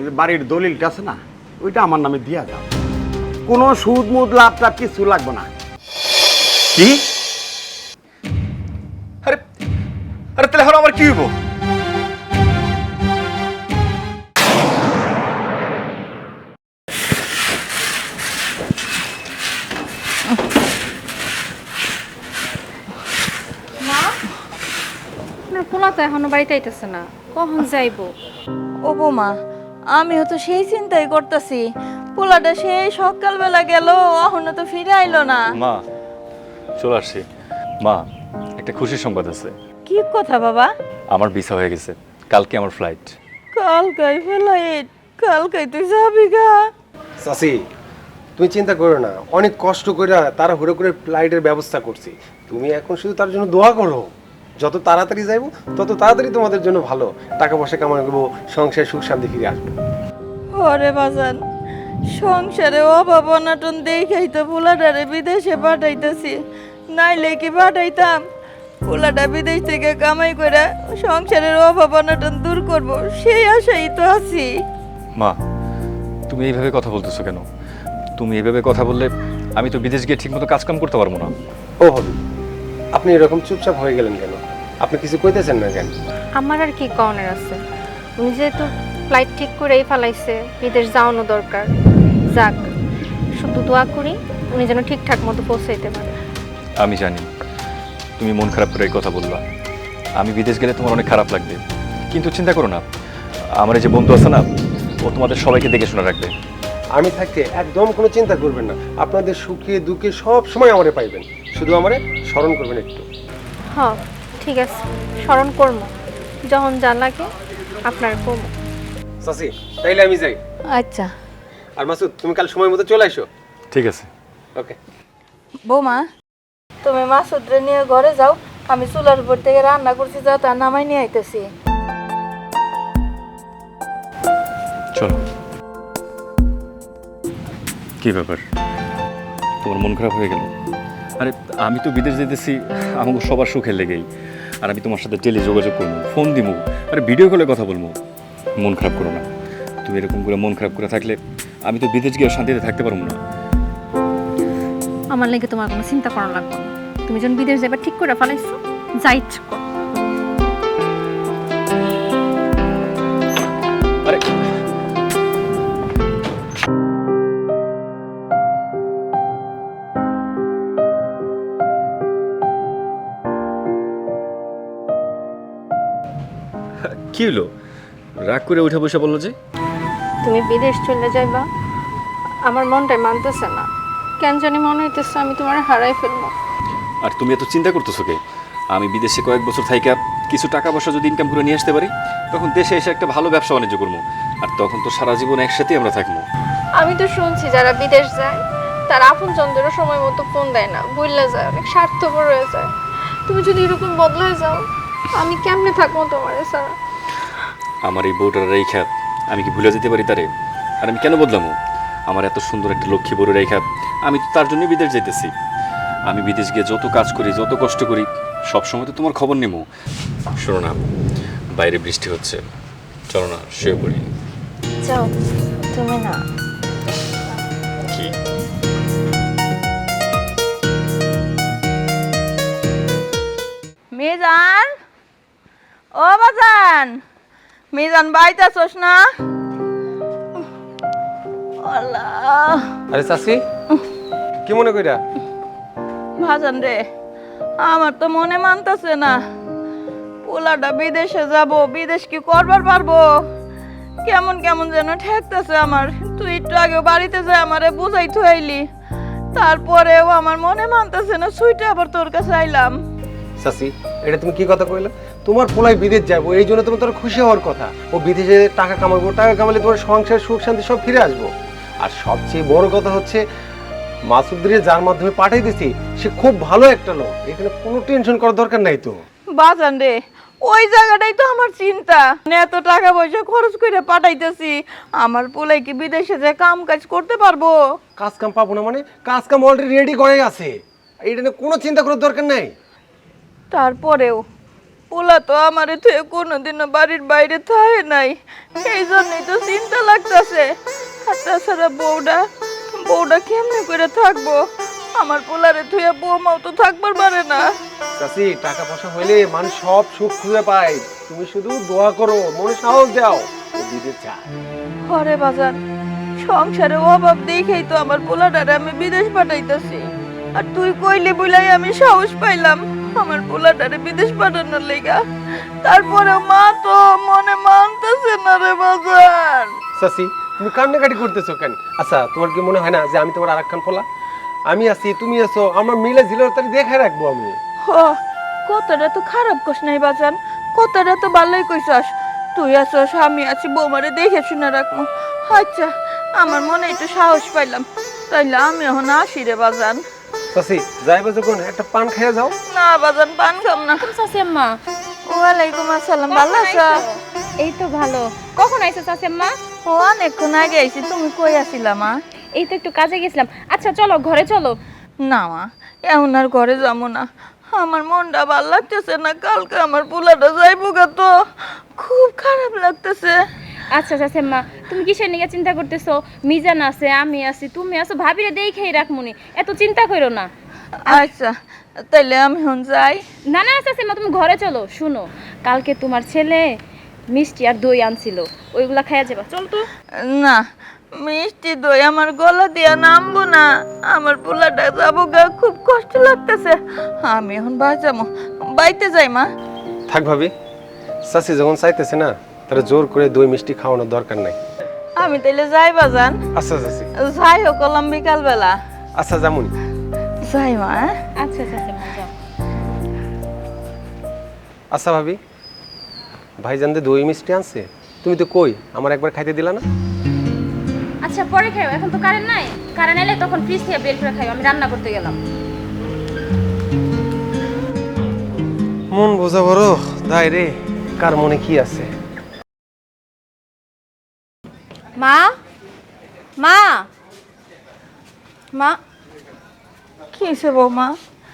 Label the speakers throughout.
Speaker 1: যে বাড়ির দলিলটা আছে না, ওইটা আমার নামে দিয়া যাও। কোনো সুদ মুদ লাভ টাভ কিছু লাগবে না।
Speaker 2: কি? আরে আরে তাহলে এখন আমার কি হইব?
Speaker 3: পোলা তো এখনো বাড়িতে আইতেছে না, কখন যাইবো?
Speaker 4: ও বৌমা, আমিও তো সেই চিন্তাই করতেছি। পোলাটা সেই সকালবেলা গেল, এখনো তো ফিরে আইলো না।
Speaker 2: মা চলে আসছি। মা একটা খুশির সংবাদ আছে।
Speaker 4: কি কথা বাবা?
Speaker 2: আমার ভিসা হয়ে গেছে, কালকে আমার ফ্লাইট।
Speaker 4: কালকাই ফ্লাইট? কালকাই তুই যাবি গা?
Speaker 5: চাচি, তুমি চিন্তা করো না, অনেক কষ্ট করে তারা হুড়ো করে ফ্লাইটের ব্যবস্থা করছি। তুমি এখন শুধু তার জন্য দোয়া করো। যত তাড়াতাড়ি যাইবো তত তাড়াতাড়ি তোমাদের জন্য ভালো। টাকা পয়সা কামাই করবো, সংসার সুখ শান্তি ফিরে আসবো।
Speaker 4: ওরে বাজান, সংসারে অভাব অনাটন দেখেই তো পোলাটারে বিদেশে পাঠাইতেছি, নাইলে কি পাঠাইতাম? পোলাটা বিদেশ থেকে কামাই করে সংসারের অভাব অনাটন দূর করব, সেই আশাই তো আছি।
Speaker 2: মা তুমি এইভাবে কথা বলতেছো কেন? তুমি এইভাবে কথা বললে আমি তো বিদেশ গিয়ে ঠিকমতো কাজকাম করতে পারবো না।
Speaker 5: ও হবি, আপনি এরকম চুপচাপ হয়ে গেলেন কেন? আপনি কিছু কইতেছেন না কেন?
Speaker 3: আমার আর কি কওনের আছে, উনি যেহেতু ফ্লাইট ঠিক করেই ফেলাইছে, বিদেশ যাওয়ানো দরকার। যাক, শুধু দোয়া করি উনি যেন ঠিকঠাক মতো পৌঁছাইতে পারে।
Speaker 2: আমি জানি তুমি মন খারাপ করে এই কথা বলবা, আমি বিদেশ গেলে তোমার অনেক খারাপ লাগবে, কিন্তু চিন্তা করো না, আমার এই যে বন্ধু আছে না, ও তোমাদের সবাইকে দেখে শোনা রাখবে।
Speaker 5: আমি থাকতে একদম কোনো চিন্তা করবেন না। আপনাদের সুখে দুঃখে সব সময় আমারে পাইবেন, শুধু আমারে স্মরণ করবেন একটু।
Speaker 3: হ্যাঁ ঠিক আছে, স্মরণ করবো, যখন যা লাগে আপনার কমো।
Speaker 5: চাচি, তাইলে আমি যাই।
Speaker 4: আচ্ছা
Speaker 5: আর মাসুদ, তুমি কাল সময় মতো চলে আসো।
Speaker 2: ঠিক আছে।
Speaker 5: ওকে।
Speaker 4: বৌমা, তুমি মাসুদরে নিয়ে ঘরে যাও, আমি চুলার উপর থেকে রান্না করছি, যা তা নামাই নিয়ে আইতেছি।
Speaker 2: চলো। কি ব্যাপার, তোমার মন খারাপ হয়ে গেল? আরে আমি তো বিদেশ যেতেছি আমাকে সবার সুখের লেগেই, আর আমি তোমার সাথে টেলি যোগাযোগ করবো, ফোন দিব, আরে ভিডিও কলে কথা বলবো। মন খারাপ করো না, তুমি এরকম করে মন খারাপ করে থাকলে আমি তো বিদেশ গিয়ে শান্তিতে থাকতে পারবো না।
Speaker 3: আমার লেগে তোমার কোনো চিন্তা করা লাগবে না, তুমি যখন বিদেশ যাবার ঠিক করে ফেলাইছো, যা ইচ্ছা করো।
Speaker 2: আরে কি হলো, রাগ করে উঠে বসে বললো যে?
Speaker 3: তুমি বিদেশ চলে যাইবা, আমার মনটাই মানতেছে না, কেন জানি মনে হইতেছে আমি তোমার হারাই ফেলবো।
Speaker 2: আর তুমি এত চিন্তা করতেছো কে? আমি বিদেশে কয়েক বছর থাইকা কিছু টাকা পয়সা যদি ইনকাম করে নিয়ে আসতে পারি, তখন দেশে এসে একটা ভালো ব্যবসা বাণিজ্য করবো, আর তখন তো সারা জীবন একসাথেই আমরা থাকবো।
Speaker 3: আমি তো শুনছি যারা বিদেশ যায় তারা আপনজনদেরও সময় মতো ফোন দেয় না, ভুলে যায়, অনেক স্বার্থপর হয়ে যায়। তুমি যদি এরকম বদলে যাও, আমি কেমনে থাকবো তোমার ছাড়া?
Speaker 2: আমার এই বউটার রেখা আমি কি ভুলে যেতে পারি তারে? আর আমি কেন বদলামো? আমার এত সুন্দর একটা লক্ষ্মী বড় রেখা, আমি তো তার জন্যই বিদেশ যাইতেছি। আমি বিদেশ গিয়ে যত কাজ করি, যত কষ্ট করি, সব সময় তো তোমার খবর নেবো। শোনো না, বাইরে বৃষ্টি হচ্ছে, চলো না শুয়ে পড়ি।
Speaker 4: যাও তুমি না।
Speaker 2: কি?
Speaker 4: মিজান, ও বাজান, মিজান বাইতাছস না? আল্লাহ,
Speaker 5: আরে চাচি, কি মনে কইরা?
Speaker 4: ভাজান রে, আমার তো মনে মানতেছে না। পোলাটা বিদেশে যাব, বিদেশ কি করবার পারবো? কেমন কেমন যেন ঠেকতেছে আমার। তুই একটু আগে বাড়িতে যায় আমারে বুঝাই থইলি, তারপরেও আমার মনে মানতেছে না, সুইটা আবার তোর কাছে আইলাম।
Speaker 5: চাচি, এটা তুমি কি কথা কইলা? তোমার পোলাই বিদেশ যাবো, এই জন্য তোমার খুশি হওয়ার কথা। ও বিদেশে টাকা কামাবো, টাকা কামালে তোমার সংসার সুখ শান্তি সব ফিরে আসবো। আর সবচেয়ে বড় কথা হচ্ছে, মাসুদরে যার মাধ্যমে পাঠাই দিছি, সে খুব ভালো একটা লোক, এখানে কোনো টেনশন করার দরকার নাই তো।
Speaker 4: বাজান রে, ওই জায়গাটাই তো আমার চিন্তা। এত টাকা পয়সা খরচ করে পাঠাইতেছি, আমার পোলাই কি বিদেশে যে কাম কাজ করতে পারবো?
Speaker 5: কাজ কাম পাবো না মানে? কাজ কাম অলরেডি রেডি করে আছে, এটা নিয়ে কোনো চিন্তা করার দরকার নাই।
Speaker 4: তারপরেও পোলা তো আমারে থেকে কোনোদিনও বাড়ির বাইরে থাকে নাই, এই জন্যই তো চিন্তা লাগতেছে। আর তাছাড়া বউটা কেমনে করে থাকবো? আমার পোলারে থুয়ে বউমাও তো থাকবার পারে না।
Speaker 5: চাচি, টাকা পয়সা হইলে মানুষ সব সুখ খুঁজে পায়। তুমি শুধু দোয়া করো, মনে সাহস দাও, ও বিদেশ যায়।
Speaker 4: ঘরে বাজান সংসারে অভাব দেখেই তো আমার পোলাটারে আমি বিদেশ পাঠাইতেছি। আর তুই কইলি বলাই আমি সাহস পাইলাম আমার পোলাটারে বিদেশ পাঠানোর লেগা। তারপরে মা তো মনে মানতেছে না রে বাজান।
Speaker 5: চাচি, তুমি কান্নাকাটি করতেছো কেন? আচ্ছা, তোমার কি মনে হয় না যে আমি তোমার আরেকখান পোলা? আমি আছি, তুমি আছো, আমরা মিলে ঝিলের তারি দেখে রাখবো আমি।
Speaker 4: হ, কথাটা তো খারাপ কইস নাই বাজান, কথাটা তো ভালোই কইছস। তুই আছস, আমি আছি, বৌমারে দেখে শুনে রাখবো। আচ্ছা, আমার মনে একটু সাহস পাইলাম, তাইলে আমি এখন আসি রে বাজান।
Speaker 5: চাচি, যাইবা যখন একটা পান খেয়ে যাও।
Speaker 4: না বাজান, পান খাম না।
Speaker 6: চাচি আম্মা,
Speaker 4: ওয়ালাইকুম আসসালাম, ভালো আছো?
Speaker 6: এই তো ভালো। কখন আইছো চাচি আম্মা?
Speaker 4: ও অনেকক্ষণ আগে আইছি, তুমি কই আছিলা মা?
Speaker 6: এই তো একটু কাজে গেছিলাম। আচ্ছা চলো ঘরে চলো।
Speaker 4: না মা, এখন আর ঘরে যাবো না, আমার মনটা ভালো লাগতেছে না। কালকে আমার পোলাটা যাইবো গা, তো খুব খারাপ লাগতেছে।
Speaker 6: আচ্ছা চাচি আম্মা, তুমি কিসের নিয়ে চিন্তা করতেছো? মিজান আছে, আমি আছি, তুমি আছো, ভাবিরে দেখেই রাখমুনি, এত চিন্তা করো না।
Speaker 4: আচ্ছা, তাইলে আমি এখন যাই।
Speaker 6: না না চাচি আম্মা, তুমি ঘরে চলো। শুনো, কালকে তোমার ছেলে মিষ্টি আর দই আনছিল, ওইগুলা খাইয়া যাবা। চল তো।
Speaker 4: না, মিষ্টি দই আমার গলা দিয়া নামবো না, আমার পোলাটা যাবো গা, খুব কষ্ট লাগতেছে। আমি এখন বাঁচামো, বাইতে যাই মা।
Speaker 5: থাক ভাবি, চাচি যখন চাইতেছে না, তাহলে জোর করে দই মিষ্টি খাওয়ানোর দরকার নাই।
Speaker 4: আমি তাইলে যাই বাজান।
Speaker 5: আচ্ছা চাচি,
Speaker 4: যাই হোক, কলাম বিকাল বেলা
Speaker 5: আচ্ছা যেমন।
Speaker 4: যাই মা।
Speaker 6: আচ্ছা চাচি আম্মা, যাও।
Speaker 5: আচ্ছা ভাবি, ভাইজানদের দই মিষ্টি আনছে, তুমি তো কই আমার একবার খাইতে দিলা না?
Speaker 6: আচ্ছা পরে খাইও, এখন তো কারেন্ট নাই। কারেন্ট এলে তখন ফ্রিজ থেকে বের করে খাইও, আমি রান্না করতে গেলাম।
Speaker 5: মন বোঝা বড় দায় রে, কার মনে কি আছে।
Speaker 3: মা, মা, মা,
Speaker 4: কি হয়েছে বৌমা?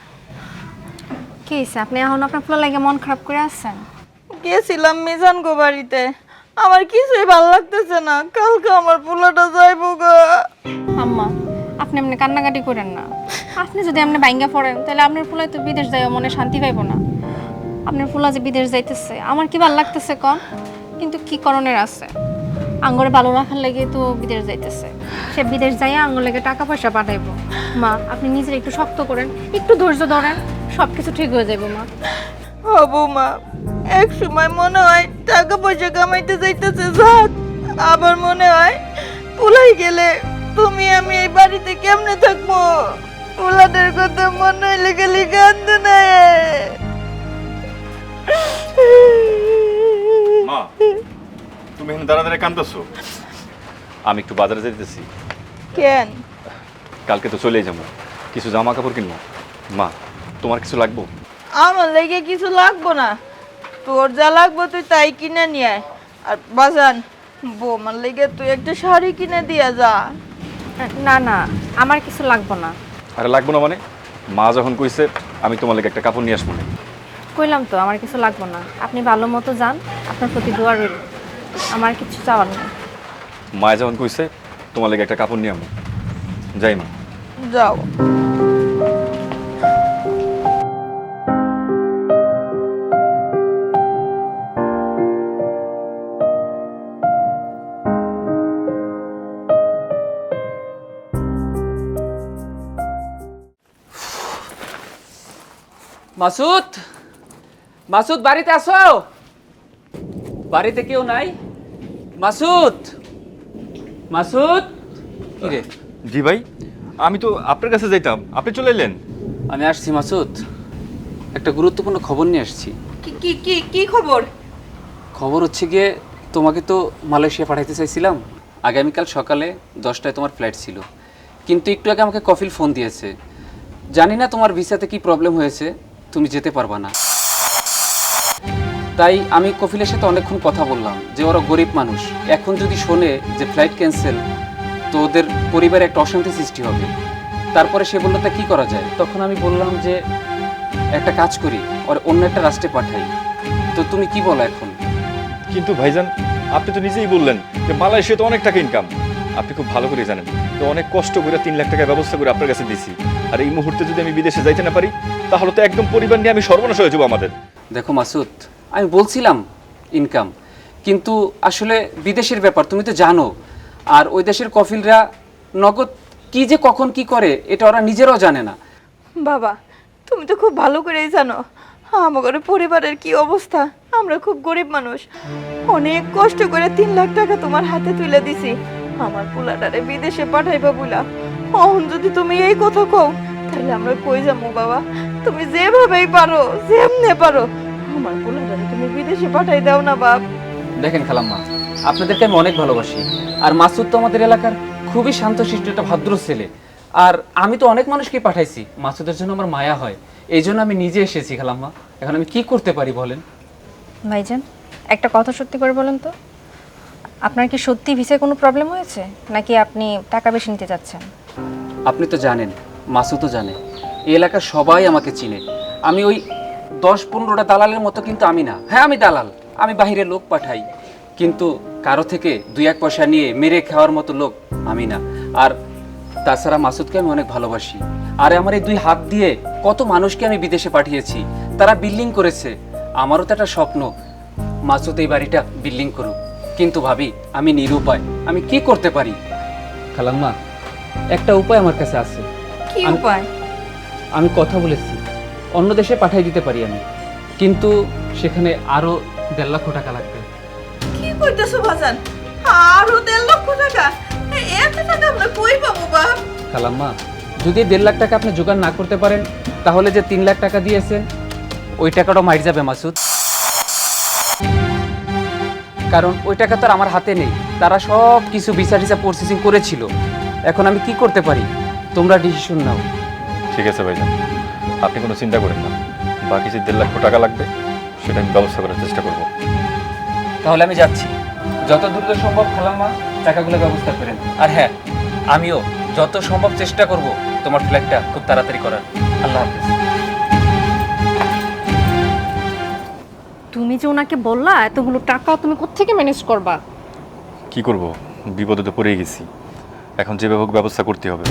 Speaker 3: কি হয়েছে? আপনি এখন আপনার ফুলা লাগে মন খারাপ করে আসছেন?
Speaker 4: গেছিলাম মিজান গো বাড়িতে, আমার কিছুই ভালো লাগতেছে না। কালকে আমার পোলাটা যাইবো গা।
Speaker 3: আম্মা, আপনি এমনি কান্নাকাটি করেন না। আপনি যদি এমনি বাইঙ্গা পড়েন, তাহলে আপনার ফুলাই তো বিদেশ যাইও, মনে শান্তি পাইবো না। আপনার ফুলা যে বিদেশ যাইতেছে, আমার কি ভালো লাগতেছে কন? কিন্তু কি করণের আছে? আঙ্গরে ভালো রাখার লেগে তো বিদেশ যাইতেছে। সে বিদেশ যাইয়া আঙ্গুর লেগে টাকা পয়সা পাঠাইবো। মা, আপনি নিজের একটু শক্ত করেন, একটু ধৈর্য ধরেন, সব কিছু ঠিক হয়ে যাইবো মা।
Speaker 4: ও বৌমা, এক সময় মনে হয় টাকা পয়সা কামাইতে যাইতেছে যাক, আবার মনে হয় পুলাই গেলে তুমি আমি এই বাড়িতে কেমনে থাকবো? পোলাদের কথা মনে হইলে গেলে কান্দে না।
Speaker 2: মা, তুমি এখানে দাঁড়া দাঁড়া কান্দছো? আমি একটু বাজারে যেতেছি।
Speaker 4: কেন?
Speaker 2: কালকে তো চলেই যাবো, কিছু জামা কাপড় কিনবো। মা, তোমার কিছু লাগবো?
Speaker 4: আমার লেগে কিছু লাগবো না, তোর যা লাগবো তুই তাই কিনে নিয়ে আয়। আর বাজান, বৌমার লেগে তুই একটা শাড়ি কিনে দিয়া যা।
Speaker 3: না না, আমার কিছু লাগবো না।
Speaker 2: আরে লাগবো না মানে? মা যখন কইছে আমি তোমার লাগে একটা কাপড় নিয়ে আসবো না।
Speaker 3: কইলাম তো আমার কিছু লাগবো না, আপনি ভালো মতো যান, আপনার প্রতি দোয়া রইল, আমার কিছু চাওয়ার নেই।
Speaker 2: মা যখন কইছে তোমার লাগে একটা কাপড় নিয়ে আমো, যাই মা।
Speaker 4: যাও।
Speaker 7: মাসুদ, মাসুদ বাড়িতে আসো। বাড়িতে কেউ নাই? মাসুদ, মাসুদ। কি রে?
Speaker 2: জি ভাই, আমি তো আপনার কাছে যাইতাম, আপনি চলে এলেন।
Speaker 7: আমি আসছি মাসুদ, একটা গুরুত্বপূর্ণ খবর নিয়ে আসছি।
Speaker 4: কি কি কি কি খবর?
Speaker 7: খবর হচ্ছে গিয়ে, তোমাকে তো মালয়েশিয়া পাঠাইতে চাইছিলাম। আগামীকাল সকালে 10টায় তোমার ফ্লাইট ছিল, কিন্তু একটু আগে আমাকে কফিল ফোন দিয়েছে। জানি না তোমার ভিসাতে কি প্রবলেম হয়েছে, তুমি যেতে পারবা না। তাই আমি কফিলের সাথে অনেকক্ষণ কথা বললাম যে ওরা গরিব মানুষ, এখন যদি শোনে যে ফ্লাইট ক্যান্সেল, তো ওদের পরিবারে একটা অশান্তি সৃষ্টি হবে। তারপরে সে বললো তা কী করা যায়। তখন আমি বললাম যে একটা কাজ করি, ওর অন্য একটা রাষ্ট্রে পাঠাই, তো তুমি কি বলো এখন?
Speaker 2: কিন্তু ভাইজান, আপনি তো নিজেই বললেন যে মালয়েশিয়া তো অনেক টাকা ইনকাম। আপনি খুব ভালো করে জানেন তো অনেক কষ্ট করে 3 লাখ টাকা ব্যবস্থা করে আপনার কাছে দিছি। আর এই মুহূর্তে যদি আমি বিদেশে যাইতে না পারি তাহলে তো একদম পরিবার নিয়ে আমি সর্বনাশ হয়ে যাবো আমাদের।
Speaker 7: দেখো মাসুদ, আমি বলছিলাম ইনকাম, কিন্তু আসলে বিদেশের ব্যাপার তুমি তো জানো। আর ওই দেশের কফিলরা নগদ কি যে কখন কি করে এটা ওরা নিজেরাও জানে না।
Speaker 4: বাবা, তুমি তো খুব ভালো করেই জানো আমাদের পরিবারের কি অবস্থা। আমরা খুব গরিব মানুষ, অনেক কষ্ট করে 3 লাখ টাকা তোমার হাতে তুলে দিছি আমার পোলাটারে বিদেশে পাঠাইবা বলা। এখন যদি তুমি এই কথা কও তাহলে আমরা কই যাবো বাবা? তুমি যেভাবেই পারো, যেমনে পারো আমার পোলাটারে তুমি বিদেশে পাঠাই দাও না বাপ।
Speaker 7: দেখেন খালাম্মা, আপনাদেরকে আমি অনেক ভালোবাসি। আর মাসুদ তো আমাদের এলাকার খুবই শান্তশিষ্ট একটা ভদ্র ছেলে। আর আমি তো অনেক মানুষকে পাঠাইছি, মাসুদের জন্য আমার মায়া হয়, এই জন্য আমি নিজে এসেছি খালাম্মা। এখন আমি কি করতে পারি বলেন?
Speaker 3: ভাইজান, একটা কথা সত্যি করে বলেন তো, আপনার কি সত্যি ভিসায় কোনো প্রবলেম হয়েছে নাকি আপনি টাকা বেশি নিতে যাচ্ছেন?
Speaker 7: আপনি তো জানেন, মাসুদও জানে, এই এলাকার সবাই আমাকে চিনে। আমি ওই 10-15টা দালালের মতো কিন্তু আমি না। হ্যাঁ, আমি দালাল, আমি বাইরে লোক পাঠাই, কিন্তু কারো থেকে 2-1 পয়সা নিয়ে মেরে খাওয়ার মতো লোক আমি না। আর তাছাড়া মাসুদকে আমি অনেক ভালোবাসি। আর আমার এই 2 হাত দিয়ে কত মানুষকে আমি বিদেশে পাঠিয়েছি, তারা বিল্ডিং করেছে। আমারও তো একটা স্বপ্ন মাসুদ এই বাড়িটা বিল্ডিং করুক, কিন্তু ভাবি আমি নিরুপায়, আমি কি করতে পারি? খালাম্মা, একটা উপায় আমার কাছে আছে।
Speaker 4: কি উপায়?
Speaker 7: আমি কথা বলেছি, অন্য দেশে পাঠিয়ে দিতে পারি আমি, কিন্তু সেখানে আরো 1.5 লক্ষ টাকা লাগবে।
Speaker 4: কি কইতেছো ভাজান? আরো 1.5 লক্ষ টাকা? এত টাকা আমরা কই পাবো বাপ?
Speaker 7: খালাম্মা, যদি 1.5 লাখ টাকা আপনি জোগাড় না করতে পারেন তাহলে যে 3 লাখ টাকা দিয়েছেন ওই টাকাটাও মাইর যাবে মাসুদ। কারণ ওই টাকা তো আর আমার হাতে নেই, তারা সব কিছু ভিসা টিসা প্রসেসিং করেছিল। এখন আমি কি করতে পারি? তোমরা ডিসিশন নাও।
Speaker 2: ঠিক আছে ভাইজান, আপনি কোনো চিন্তা করেন না। বাকি যে 1.5 লক্ষ টাকা লাগবে সেটা আমি ব্যবস্থা করার চেষ্টা করব।
Speaker 7: তাহলে আমি যাচ্ছি, যত দ্রুত সম্ভব খালাম্মা টাকাগুলো ব্যবস্থা করেন। আর হ্যাঁ, আমিও যত সম্ভব চেষ্টা করব তোমার ফ্ল্যাটটা খুব তাড়াতাড়ি করার। আল্লাহ হাফেজ।
Speaker 3: তুমি যে ওনাকে বললা এতগুলো টাকা তুমি কোত্থেকে ম্যানেজ করবা?
Speaker 2: কি করব, বিপদে তো পড়েই গেছি। এখন যেভাবে হোক ব্যবস্থা করতে হবে।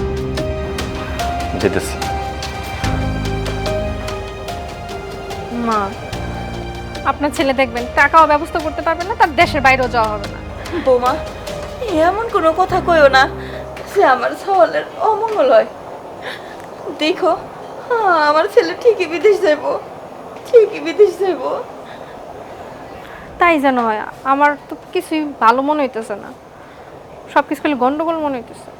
Speaker 2: যেতেছি।
Speaker 3: মা, আপনার ছেলে দেখবেন টাকাও ব্যবস্থা করতে পারবেন না, তার দেশের বাইরেও যাওয়া হবে না।
Speaker 4: বোমা, এমন কোনো কথা কইও না যে আমার সওয়ালের অমঙ্গল হয়। দেখো, আমার ছেলে ঠিকই বিদেশ যাইব, ঠিকই বিদেশ যাইব।
Speaker 3: তাই যেন হয়, আমার তো কিছুই ভালো মনে হইতেছে না, সব কিছু খালি গন্ডগোল মনে হইতেছে।